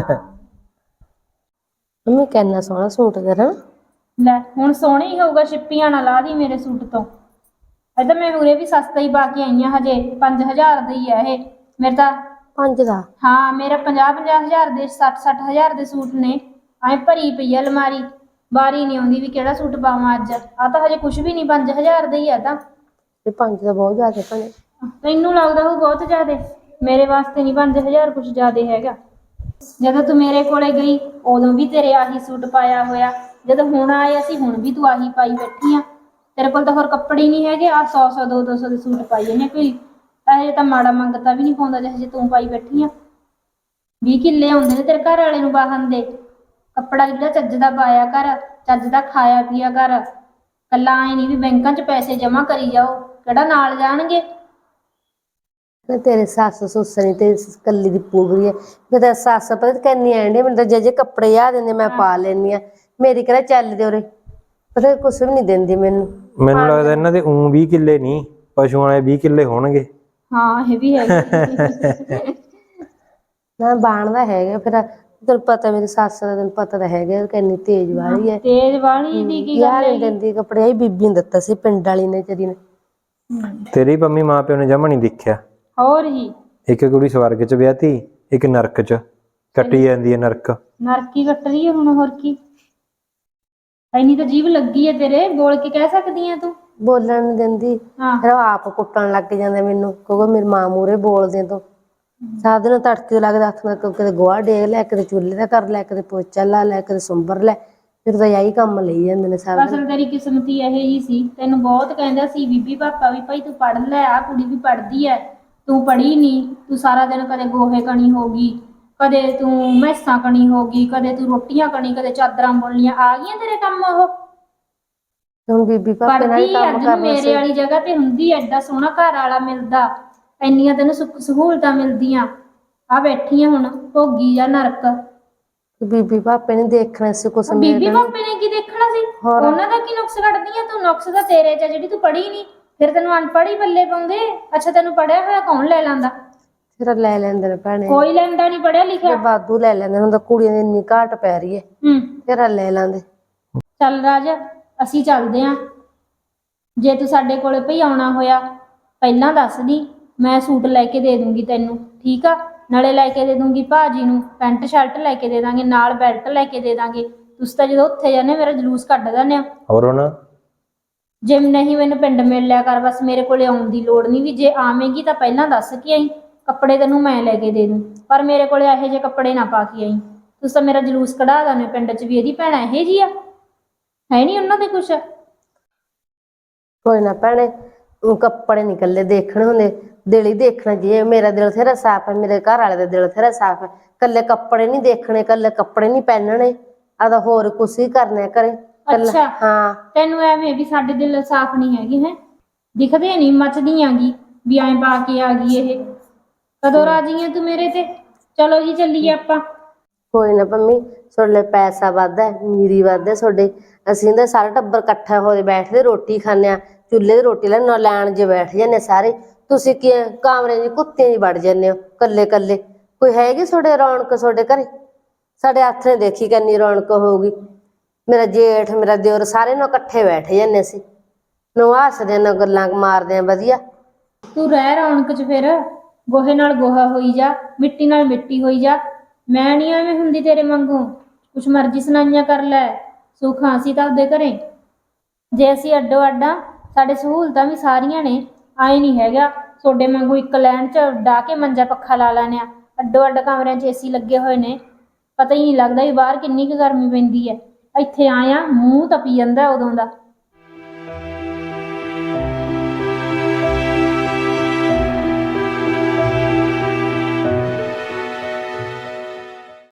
S3: ਮੰਮੀ ਕਿੰਨਾ ਸੋਹਣਾ ਸੂਟ ਤੇਰਾ।
S2: ਲੈ ਹੁਣ ਸੋਹਣਾ ਹੀ ਹੋਊਗਾ। ਛਿੱਪੀਆਂ ਨਾ ਲਾ ਦੀ ਮੇਰੇ ਸੂਟ ਤੋਂ। ਇਹ ਤਾਂ ਮੈਂ ਉਰੇ ਵੀ ਸਸਤਾ ਹੀ ਪਾ ਕੇ ਆਈ ਆ। ਹਜੇ 5000 ਦਾ ਹੀ ਆ ਇਹ ਮੇਰੇ ਤਾਂ।
S3: 5 ਦਾ?
S2: ਹਾਂ ਮੇਰਾ 50-50 ਦੇ 60-60 ਦੇ ਸੂਟ ਨੇ। ਐਂ ਭਰੀ ਪਈ ਆ ਅਲਮਾਰੀ। ਵਾਰੀ ਨਹੀਂ ਆਉਂਦੀ ਵੀ ਕਿਹੜਾ ਸੂਟ ਪਾਵਾਂ ਅੱਜ। ਆ ਤਾਂ ਹਜੇ ਕੁਛ ਵੀ ਨਹੀਂ 5000 ਦਾ ਹੀ ਆ ਤਾਂ।
S3: ਇਹ 5 ਦਾ ਬਹੁਤ ਜ਼ਿਆਦਾ ਭੈਣੇ।
S2: ਤੈਨੂੰ ਲੱਗਦਾ ਉਹ ਬਹੁਤ ਜ਼ਿਆਦਾ। ਮੇਰੇ ਵਾਸਤੇ ਨਹੀਂ 5000 ਕੁਛ ਜ਼ਿਆਦਾ ਹੈਗਾ। ਜਦੋਂ ਤੂੰ ਮੇਰੇ ਕੋਲੇ ਗਈ ਉਦੋਂ ਵੀ ਤੇਰੇ ਆਹੀ ਸੂਟ ਪਾਇਆ ਹੋਇਆ। ਜਦੋਂ ਹੁਣ ਆਏ ਅਸੀਂ ਹੁਣ ਵੀ ਤੂੰ ਆਹੀ ਪਾਈ ਬੈਠੀ ਆ। ਤੇਰੇ ਕੋਲ ਤਾਂ ਹੋਰ ਕੱਪੜੇ ਨਹੀਂ ਹੈਗੇ। ਆ 100-100 200-200 ਦੇ ਸੂਟ ਪਾਈ ਜਾਂਦੇ। ਕੋਈ ਇਹ ਤਾਂ ਮਾੜਾ ਮੰਗਤਾ ਵੀ ਨਹੀਂ ਪਾਉਂਦਾ ਜਿਹੋ ਜਿਹੇ ਤੂੰ ਪਾਈ ਬੈਠੀ ਆ। 20 ਕਿੱਲੇ ਆਉਂਦੇ ਨੇ ਤੇਰੇ ਘਰ ਵਾਲੇ ਨੂੰ ਬਾਹਨ ਦੇ। ਕੱਪੜਾ ਜਿਹੜਾ ਚੱਜ ਦਾ ਪਾਇਆ ਕਰ। ਚੱਜ ਦਾ ਖਾਇਆ ਪੀਆ ਕਰ। ਕੱਲਾ ਆਏ ਨਹੀਂ ਵੀ ਬੈਂਕਾਂ 'ਚ ਪੈਸੇ ਜਮ੍ਹਾਂ ਕਰੀ ਜਾਓ। ਕਿਹੜਾ ਨਾਲ ਜਾਣਗੇ।
S3: ਤੇਰੇ ਸੱਸ ਸੁੱਸ ਨੀ ਤੇ ਕੱਲੀ ਦੀ ਪੂਰੀ ਹੈ। ਫਿਰ ਸੱਸ ਪਤਾ ਕਿੰਨੀ ਆਂਡੇ ਮੈਨੂੰ ਤਾਂ ਜੇ ਕੱਪੜੇ ਆ ਦਿੰਦੇ ਮੈਂ ਪਾ ਲੈਂਦੀ ਆ। ਮੇਰੀ ਕਿਹੜਾ ਚੱਲਦੇ ਉਰੇ ਪਤਾ ਕੁਛ ਵੀ ਨਹੀਂ ਦਿੰਦੀ ਮੈਨੂੰ।
S1: ਮੈਨੂੰ ਲੱਗਦਾ ਇਹਨਾਂ ਦੇ 20 ਕਿੱਲੇ ਨਹੀਂ ਪਸ਼ੂਆਂ ਵਾਲੇ 20 ਕਿੱਲੇ ਹੋਣਗੇ।
S2: ਹਾਂ ਇਹ ਵੀ ਹੈਗਾ।
S3: ਨਾ ਬਾਣਦਾ ਹੈਗਾ। ਫਿਰ ਤੈਨੂੰ ਪਤਾ ਮੇਰੀ ਸੱਸ ਦਾ ਤੈਨੂੰ ਪਤਾ ਤਾਂ ਹੈਗਾ ਕਿੰਨੀ ਤੇਜ਼ ਵਾਲੀ ਹੈ।
S2: ਤੇਜ਼ ਵਾਲੀ ਦੀ ਕੀ ਗੱਲ ਹੈ।
S3: ਦਿੰਦੀ ਕੱਪੜੇ ਆਈ ਬੀਬੀ ਨੇ ਦਿੱਤਾ ਸੀ ਪਿੰਡ ਵਾਲੀ ਨੇ ਤੇਰੀ ਨੇ।
S1: ਤੇਰੀ ਮੰਮੀ ਮਾਂ ਪਿਓ ਨੇ ਜਮਾ ਨਹੀਂ ਦੇਖਿਆ।
S2: ਹੋਰ ਜੀ
S1: ਇੱਕ ਕੁੜੀ ਸਵਰਗ 'ਚ ਵਿਆਹਤੀ ਇੱਕ ਨਰਕ 'ਚ ਕੱਟੀ ਜਾਂਦੀ ਹੈ ਨਰਕ।
S2: ਨਰਕੀ ਕੱਟ ਰਹੀ ਹੈ ਹੁਣ, ਹੋਰ ਕੀ। ਐਨੀ ਤਾਂ ਜੀਭ ਲੱਗੀ ਹੈ ਤੇਰੇ, ਬੋਲ ਕੇ ਕਹਿ ਸਕਦੀ ਹੈ ਤੂੰ।
S3: ਬੋਲਣ ਨੀ ਦਿੰਦੀ,
S2: ਹਾਂ
S3: ਫਿਰ ਉਹ ਆਪ ਕੁੱਟਣ ਲੱਗ ਜਾਂਦੇ ਮੈਨੂੰ, ਕਿਉਂਕਿ ਮੇਰੀ ਮਾਂ ਮੂਹਰੇ ਬੋਲਦੇ ਤੂੰ। ਸਾਰਾ ਦਿਨ ਤੜਕੇ ਲੱਗਦਾ ਹੱਥ ਨਾਲ ਕਦੇ ਗੋਹਾ ਡੇਗ ਲੈ, ਕਦੇ ਚੁੱਲ੍ਹੇ ਦਾ ਕਰ ਲੈ, ਕਦੇ ਪੋਚਾ ਲਾ ਲੈ, ਕਦੇ ਸੁੰਬਰ ਲੈ, ਫਿਰ ਤਾਂ ਇਹੀ ਕੰਮ ਲਈ ਜਾਂਦੇ ਨੇ ਸਾਰਾ ਦਿਨ।
S2: ਅਸਲ ਤੇਰੀ ਕਿਸਮਤ ਹੀ ਇਹੋ ਜਿਹੀ ਸੀ, ਤੈਨੂੰ ਬਹੁਤ ਕਹਿੰਦਾ ਸੀ ਬੀਬੀ ਪਾਪਾ ਵੀ ਭਾਈ ਤੂੰ ਪੜ੍ਹ ਲੈ, ਆਹ ਕੁੜੀ ਵੀ ਪੜ੍ਹਦੀ ਹੈ, ਤੂੰ ਪੜ੍ਹੀ ਨਹੀਂ, ਤੂੰ ਸਾਰਾ ਦਿਨ ਕਦੇ ਗੋਹੇ ਕਣੀ ਹੋ ਗਈ, ਕਦੇ ਤੂੰ ਮੈਸਾਂ ਕਣੀ ਹੋ ਗਈ, ਕਦੇ ਤੂੰ ਰੋਟੀਆਂ ਕਣੀ, ਕਦੇ ਚਾਦਰਾਂ ਬੁਣਨੀਆਂ, ਆ ਗਈਆਂ ਤੇਰੇ ਕੰਮ ਉਹ।
S3: ਹੁਣ ਬੀਬੀ ਪਾਪੇ ਨਾਲ ਹੀ
S2: ਪੜ੍ਹਦੀ
S3: ਕੰਮ
S2: ਅੱਜ ਨੂੰ
S3: ਕਰਨਾ
S2: ਮੇਰੇ
S3: ਸੀ।
S2: ਵਾਲੀ ਜਗ੍ਹਾ ਤੇ ਹੁੰਦੀ, ਐਡਾ ਸੋਹਣਾ ਘਰ ਵਾਲਾ ਮਿਲਦਾ, ਇੰਨੀਆਂ ਤੈਨੂੰ ਸੁੱਖ ਸਹੂਲਤਾਂ ਮਿਲਦੀਆਂ, ਆ ਬੈਠੀ ਆ ਹੁਣ ਭੋਗੀ ਜਾਂ ਨਰਕ।
S3: ਬੀਬੀ ਪਾਪੇ ਨੇ ਦੇਖਣਾ ਸੀ ਕੁਛ ਮੇਰੇ
S2: ਬੀਬੀ
S3: ਨਾਲ।
S2: ਪਾਪੇ ਨੇ ਕੀ ਦੇਖਣਾ ਸੀ?
S3: ਹੋਰ
S2: ਉਹਨਾਂ ਦਾ ਕੀ ਨੁਕਸ ਕੱਢਦੀ ਆ ਤੂੰ? ਨੁਕਸ ਤਾਂ ਤੇਰੇ ਚ ਆ, ਜਿਹੜੀ ਤੂੰ ਪੜ੍ਹੀ ਨਹੀਂ, ਫਿਰ ਤੈਨੂੰ ਅਨਪੜ੍ਹ ਹੀ ਪੱਲੇ ਪਾਉਂਦੇ। ਅੱਛਾ ਤੈਨੂੰ ਪੜ੍ਹਿਆ ਹੋਇਆ ਕੌਣ ਲੈ ਲੈਂਦਾ?
S3: ਫਿਰ ਲੈ ਲੈਂਦੇ ਨੇ ਭੈਣੇ,
S2: ਕੋਈ ਲੈਂਦਾ ਨਹੀਂ ਪੜ੍ਹਿਆ ਲਿਖਿਆ।
S3: ਫਿਰ ਵਾਧੂ ਲੈ ਲੈਂਦੇ, ਹੁਣ ਤਾਂ ਕੁੜੀਆਂ ਦੀ ਇੰਨੀ ਘਾਟ ਪੈ ਰਹੀ ਹੈ, ਫਿਰ ਲੈ ਲੈਂਦੇ।
S2: ਚੱਲ ਰਾਜ, ਅਸੀਂ ਚੱਲਦੇ ਆਂ। ਜੇ ਤੂੰ ਸਾਡੇ ਕੋਲੇ ਭਈ ਆਉਣਾ ਹੋਇਆ ਪਹਿਲਾਂ ਦੱਸ ਦੀ, ਮੈਂ ਸੂਟ ਲੈ ਕੇ ਦੇ ਦੂੰਗੀ ਤੈਨੂੰ, ਠੀਕ ਆ? ਨਾਲੇ ਲੈ ਕੇ ਦੇ ਦੂੰਗੀ ਭਾਜੀ ਨੂੰ ਪੈਂਟ ਸ਼ਰਟ ਲੈ ਕੇ ਦੇ ਦਾਂਗੇ, ਨਾਲ ਬੈਲਟ ਲੈ ਕੇ ਦੇ ਦਾਂਗੇ। ਤੁਸੀਂ ਤਾਂ ਜਦੋਂ ਉੱਥੇ ਜਾਂਦੇ ਮੇਰਾ ਜਲੂਸ ਕੱਢ ਦਿੰਦੇ ਆ।
S1: ਹੋਰ ਹੁਣ
S2: ਜੇ ਨਹੀਂ ਮੈਨੂੰ ਪਿੰਡ ਮਿਲ ਲਿਆ ਕਰ, ਬਸ ਮੇਰੇ ਕੋਲੇ ਆਉਣ ਦੀ ਲੋੜ ਨਹੀਂ, ਵੀ ਜੇ ਆਵੇਂਗੀ ਤਾਂ ਪਹਿਲਾਂ ਦੱਸ ਕੇ ਆਈ, ਕੱਪੜੇ ਤੈਨੂੰ ਮੈਂ ਲੈ ਕੇ ਦੇ ਦੂੰ, ਪਰ ਮੇਰੇ ਕੋਲੇ ਇਹੋ ਜਿਹੇ ਕੱਪੜੇ ਨਾ ਪਾ ਕੇ ਆਈ। ਤੁਸੀਂ ਤਾਂ ਮੇਰਾ ਜਲੂਸ ਕਢਾ ਦਿੰਦੇ ਪਿੰਡ 'ਚ ਵੀ ਇਹਦੀ ਭੈਣ ਇਹੋ ਜਿਹੀ ਆ, ਹੈ ਨਹੀਂ ਉਹਨਾਂ ਦੇ ਕੁਛ।
S3: ਕੋਈ ਨਾ ਭੈਣੇ, ਕੱਪੜੇ ਨੀ ਇਕੱਲੇ ਦੇਖਣੇ ਹੁੰਦੇ, ਦਿਲ ਹੀ ਦੇਖਣਾ ਚਾਹੀਏ। ਮੇਰਾ ਦਿਲ ਥੇਰਾ ਸਾਫ਼ ਹੈ, ਮੇਰੇ ਘਰ ਵਾਲੇ ਦਾ ਦਿਲ ਥੇਰਾ ਸਾਫ਼ ਹੈ, ਇਕੱਲੇ ਕੱਪੜੇ ਨਹੀਂ ਦੇਖਣੇ, ਇਕੱਲੇ ਕੱਪੜੇ ਨਹੀਂ ਪਹਿਨਣੇ, ਆਦਾ ਹੋਰ ਕੁਛ ਹੀ ਕਰਨਾ ਘਰੇ।
S2: ਅੱਛਾ
S3: ਹਾਂ,
S2: ਤੈਨੂੰ ਐਵੇਂ ਵੀ ਸਾਡੇ ਦਿਲ ਸਾਫ਼ ਨਹੀਂ ਹੈਗੇ ਹੈ, ਦਿਖਦੇ ਨਹੀਂ, ਮੱਚਦੀ ਆਂਗੀ ਵੀ ਐਂ ਪਾ ਕੇ ਆ ਗਈ ਇਹ। ਕਦੋਂ ਰਾਜੀ ਹੈ ਤੂੰ ਮੇਰੇ ਤੇ? ਚਲੋ ਜੀ ਚੱਲੀਏ ਆਪਾਂ।
S3: ਕੋਈ ਨਾ ਪੰਮੀ, ਤੁਹਾਡੇ ਲਈ ਪੈਸਾ ਵੱਧ ਹੈ, ਮੀਰੀ ਵੱਧ ਹੈ ਤੁਹਾਡੇ। ਅਸੀਂ ਤਾਂ ਸਾਰਾ ਟੱਬਰ ਇਕੱਠਾ ਹੋ ਕੇ ਬੈਠਦੇ ਰੋਟੀ ਖਾਂਦੇ ਹਾਂ, ਚੁੱਲ੍ਹੇ ਦੀ ਰੋਟੀ ਲੈਣ ਜੇ ਬੈਠ ਜਾਂਦੇ ਸਾਰੇ। ਤੁਸੀਂ ਕੀ ਕਾਮਰੇ 'ਚ ਕੁੱਤਿਆਂ 'ਚ ਵੜ ਜਾਂਦੇ ਹੋ ਕੱਲੇ ਕੱਲੇ। ਕੋਈ ਹੈਗੀ ਤੁਹਾਡੇ ਰੌਣਕ ਤੁਹਾਡੇ ਘਰੇ? ਸਾਡੇ ਹੱਥ ਨੇ ਦੇਖੀ ਕਿੰਨੀ ਰੌਣਕ ਹੋਊਗੀ। ਮੇਰਾ ਜੇਠ, ਮੇਰਾ ਦਿਓਰ, ਸਾਰੇ ਨੂੰ ਇਕੱਠੇ ਬੈਠ ਜਾਂਦੇ ਅਸੀਂ, ਨੂੰ ਹੱਸਦੇ ਨਾ ਗੱਲਾਂ ਮਾਰਦੇ ਆ ਵਧੀਆ।
S2: ਤੂੰ ਰਹਿ ਰੌਣਕ 'ਚ, ਫਿਰ ਗੋਹੇ ਨਾਲ ਗੋਹਾ ਹੋਈ ਜਾ, ਮਿੱਟੀ ਨਾਲ ਮਿੱਟੀ ਹੋਈ ਜਾ। ਮੈਂ ਨਹੀਂ ਐਵੇਂ ਹੁੰਦੀ ਤੇਰੇ ਵਾਂਗੂ, ਕੁਛ ਮਰਜ਼ੀ ਸੁਣਾਈਆਂ ਕਰ ਲੈ, ਸੁੱਖ ਅਸੀਂ ਤਾਂ ਆਪਦੇ ਘਰੇ। ਜੇ ਅਸੀਂ ਅੱਡੋ ਅੱਡਾਂ, ਸਾਡੇ ਸਹੂਲਤਾਂ ਵੀ ਸਾਰੀਆਂ ਨੇ, ਆਏ ਨਹੀਂ ਹੈਗਾ ਤੁਹਾਡੇ ਵਾਂਗੂ ਇੱਕ ਲਾਈਨ 'ਚ ਡਾਹ ਕੇ ਮੰਜਾ ਪੱਖਾ ਲਾ ਲੈਣੇ ਆ। ਅੱਡੋ ਅੱਡ ਕਮਰਿਆਂ 'ਚ ਏਸੀ ਲੱਗੇ ਹੋਏ ਨੇ, ਪਤਾ ਹੀ ਨਹੀਂ ਲੱਗਦਾ ਵੀ ਬਾਹਰ ਕਿੰਨੀ ਕੁ ਗਰਮੀ ਪੈਂਦੀ ਹੈ। ਇੱਥੇ ਆਇਆ ਮੂੰਹ ਤਪੀ ਜਾਂਦਾ ਉਦੋਂ ਦਾ।